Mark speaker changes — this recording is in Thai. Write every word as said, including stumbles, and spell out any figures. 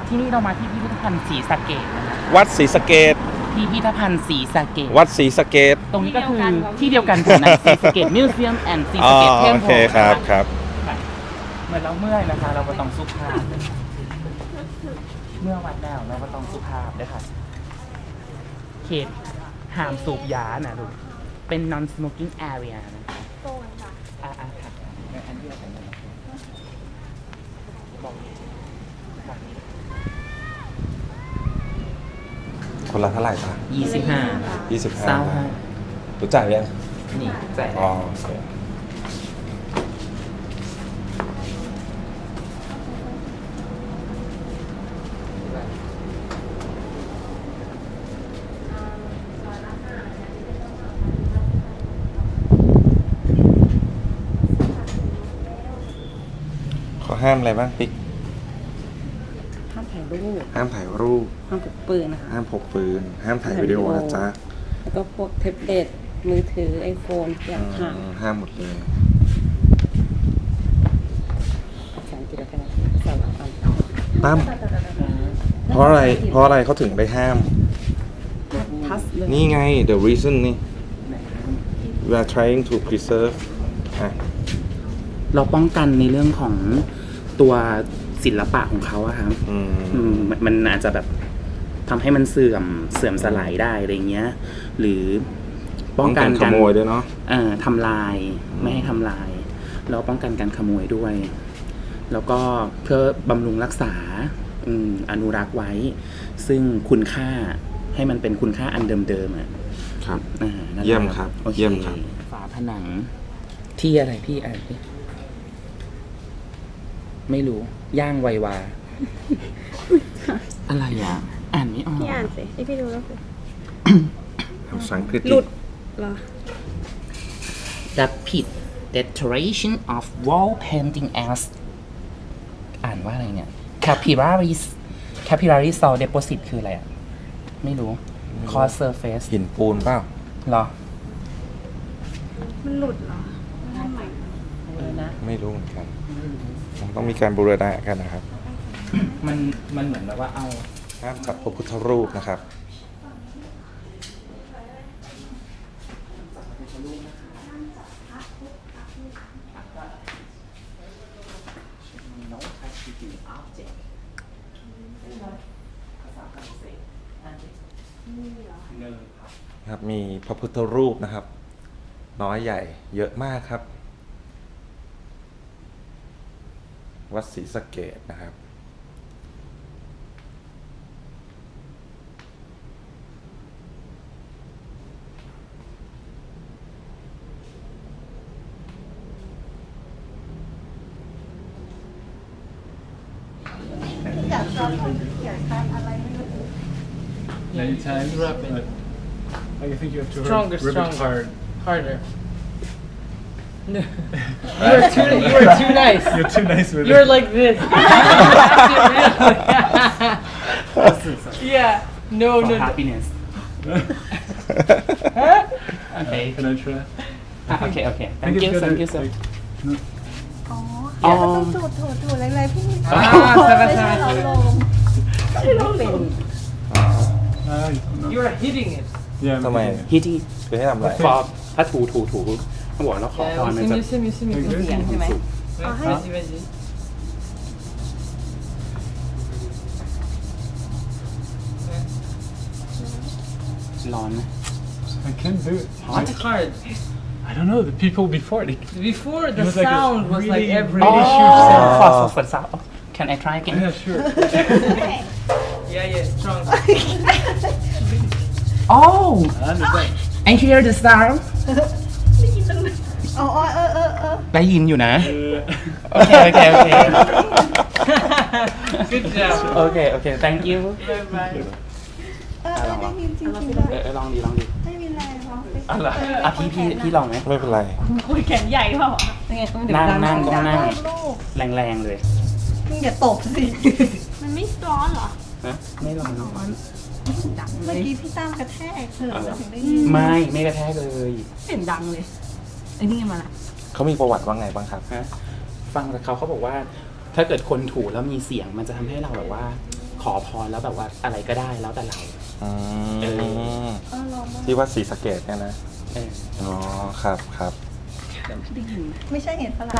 Speaker 1: ที่นี่เรามาที่พิพิธภัณฑ์ศรีสะเกษนะคะ
Speaker 2: วัดศรีสะเกษ
Speaker 1: พิพิธภัณฑ์ศรีสะเกษ
Speaker 2: วัดศรีสะเกษ
Speaker 1: ตรงนี้ก็คือที่เดียวกันกับในศรีสะเกษมิวเซียมแอนด์ศรี
Speaker 2: อ๋อ
Speaker 1: สะเกษเทม
Speaker 2: โอ
Speaker 1: เพ
Speaker 2: เค
Speaker 1: ล
Speaker 2: ครับครับ
Speaker 1: เมื่อเราเมื่อยนะคะ เราก็ต้องสุภาพเมื่อวัดแล้วเราก็ต้องสุภาพด้วยค่ะเขตห้ามสูบยานะลูกเป็น non smoking area นะคะ
Speaker 3: โซนค่ะ
Speaker 1: อ่าอ่าค่ะอันเดียวกันเลยบอกค่ะ
Speaker 2: คนละเท่าไหร่ปะ
Speaker 1: ยี่สิบห้า
Speaker 2: ยี่สิบห้า
Speaker 1: เศร้าห้า
Speaker 2: รู้จักยัง
Speaker 1: นี่แจก
Speaker 2: อ๋อโอเคเขาห้ามอะไรบ้างปิ๊ก
Speaker 4: ห้ามถ่ายรูป
Speaker 2: ห้ามถ่ายรูป
Speaker 4: ห้ามพกปืนนะคะ
Speaker 2: ห้ามพกปืน ห้ามถ่ายวิดีโอนะจ๊ะ
Speaker 4: แล้วก็พวกแท็บเล็ตมือถือไอโฟนอย่างห่าง
Speaker 2: อืมห้ามหมดเลย
Speaker 4: ภาษาอังกฤษแล้วกันนะภาษาอังกฤษ
Speaker 2: ตั้มเพราะอะไร เพราะอะไรเขาถึงได้ห้าม
Speaker 4: ทัสเลย
Speaker 2: นี่ไง the reason นี่ we are trying to preserve อ่ะ
Speaker 1: เราป้องกันในเรื่องของตัวศิลปะของเขาอะครับ
Speaker 2: อืม
Speaker 1: อืมมันมันอาจจะแบบทำให้มันเสื่อมเสื่อมสลายได้อะไรเงี้ย หรือป้องกัน
Speaker 2: ขโมยด้วยเนาะ
Speaker 1: เอ่อทำลายไม่ให้ทำลายแล้วป้องกันการขโมยด้วย แล้วก็เพื่อบำรุงรักษาอืมอนุรักษ์ไว้ ซึ่งคุณค่าให้มันเป็นคุณค่าอันเดิมๆอ่ะ
Speaker 2: ครับ
Speaker 1: อ่านั่นแหละ
Speaker 2: เยี่ยมครับ
Speaker 1: โอ
Speaker 2: เยี่ยมครับ
Speaker 1: ฝาผนังที่อะไรพี่อ่านดิไม่รู้ ย่างไววา อะไรอ่ะ อ่านไม่ออก
Speaker 3: พี่อ่านสิที่พี่ดูแล้วคือ
Speaker 2: ภาษาอังกฤษ
Speaker 3: หลุดเหรอ
Speaker 1: The pit deterioration of wall painting as อ่านว่าอะไรเนี่ย capillaries capillary salt deposit คืออะไรอ่ะ ไม่รู้ cause surface
Speaker 2: หินปูนเปล่า
Speaker 1: เหรอ
Speaker 3: มันหลุดเหรอทำไม
Speaker 1: เออนะ
Speaker 2: ไม่รู้เหมือนกันมันต้องมีการบูรณะกันนะครับ
Speaker 1: มันมันเหมือนแบบว่าเอา
Speaker 2: ห้ามจับพระพุทธรูปนะครับ ครับ มีพระพุทธรูปนะครับ น้อยใหญ่เยอะมากครับ วัดศรีสะเกษนะครับ
Speaker 5: Anytime. But I think you have to
Speaker 6: Stronger,
Speaker 5: rip
Speaker 6: stronger.
Speaker 5: it hard.
Speaker 6: Harder. No. You are too. You are too nice.
Speaker 5: You're too nice with
Speaker 6: You're
Speaker 5: it.
Speaker 6: like this. Yeah. No,
Speaker 1: for
Speaker 6: no. no.
Speaker 1: happiness โอเค
Speaker 5: Can I try?
Speaker 1: อ่ะโอเค โอเค
Speaker 5: I
Speaker 1: thank
Speaker 5: think
Speaker 1: you
Speaker 5: it's
Speaker 1: thank you
Speaker 5: better,
Speaker 1: sir
Speaker 5: like, no.
Speaker 3: อ๋อเดี๋ยวก็ต้องถูดถูดถูดอะไรๆพี่ไม่
Speaker 6: อ่า
Speaker 3: ใช่
Speaker 6: ใช่
Speaker 3: ไม่
Speaker 6: ใช่
Speaker 3: ใช่เราลงไม่ลงเป็น
Speaker 5: Ah, no.
Speaker 6: You are hitting it.
Speaker 5: Yeah.
Speaker 2: ทำไม
Speaker 5: okay.
Speaker 1: ฮิตที่
Speaker 2: คือให้ทำอะไร
Speaker 1: ฟอกถ้าถูถูถูเขาบอกแล้วขอพร
Speaker 6: Yeah,
Speaker 1: มัน
Speaker 6: mieux,
Speaker 1: จะ
Speaker 6: mieux, mieux, mieux, mieux.
Speaker 5: Like this?
Speaker 4: เสียงใช่ไหม
Speaker 6: Ouais, Vas-y, vas-y.
Speaker 1: ร้อนนะ
Speaker 5: I can't do it.
Speaker 6: It's hard.
Speaker 5: I don't know. The people before they.
Speaker 6: Before
Speaker 5: It
Speaker 6: the
Speaker 5: was like a
Speaker 6: sound was like
Speaker 5: really,
Speaker 6: every.
Speaker 5: really
Speaker 1: Oh.
Speaker 5: huge sound.
Speaker 1: ขอขอฝนซาว Can I try again
Speaker 5: Yeah, sure.
Speaker 6: Yeah, yeah, strong.
Speaker 1: Oh
Speaker 5: I understand.
Speaker 1: I hear the sound
Speaker 3: อ๋อเออเออเออ
Speaker 1: ได้ยินอยู่นะ
Speaker 5: Uh,
Speaker 1: โอเค โอเค โอเค
Speaker 6: Good job.
Speaker 1: โอเค โอเค thank you
Speaker 6: Bye bye.
Speaker 3: เออเออได้ยินจริงๆ
Speaker 1: เอ
Speaker 3: เลย
Speaker 1: อเออลองดีลองดี
Speaker 3: ไม่มีแรงหรอก
Speaker 1: อะไรอ่ะพี่พี่พี่ลองไหม
Speaker 2: ไม่เป็นไร
Speaker 3: คุยแขนใหญ่เปล่าอ่ะ
Speaker 4: ยังไงต้องเดี๋ยว
Speaker 1: นั่งนั่งต้องนั่ง
Speaker 3: ลูก
Speaker 1: แรงๆเลย
Speaker 3: มึงอย่าตบสิมันไม่ร้อนเหรอ
Speaker 1: ฮะไม่ลอง
Speaker 3: เมื่อกี้พี่ตั้มกระแทกเธอถึงได้ยิน
Speaker 1: ไม่ไม่กระแทกเลย
Speaker 4: เสียงดังเลยไอ้นี่มาละ
Speaker 2: เขามีประวัติว่าไงบ้างครับ
Speaker 1: ฮะฟังจากเขาเขาบอกว่า ถ้าเกิดคนถูแล้วมีเสียงมันจะทำให้เราแบบว่า คอพรแล้วแบบว่าอะไรก็ได้แล้วแต่เรา
Speaker 2: อื
Speaker 1: เอ
Speaker 2: ม
Speaker 3: เออเรามา
Speaker 2: ที่ว่าสีสะเกตเนี่ยนะ
Speaker 1: เออ
Speaker 2: อ๋อครับครับ
Speaker 3: ไม่ใช่เห็ดฝรั่ง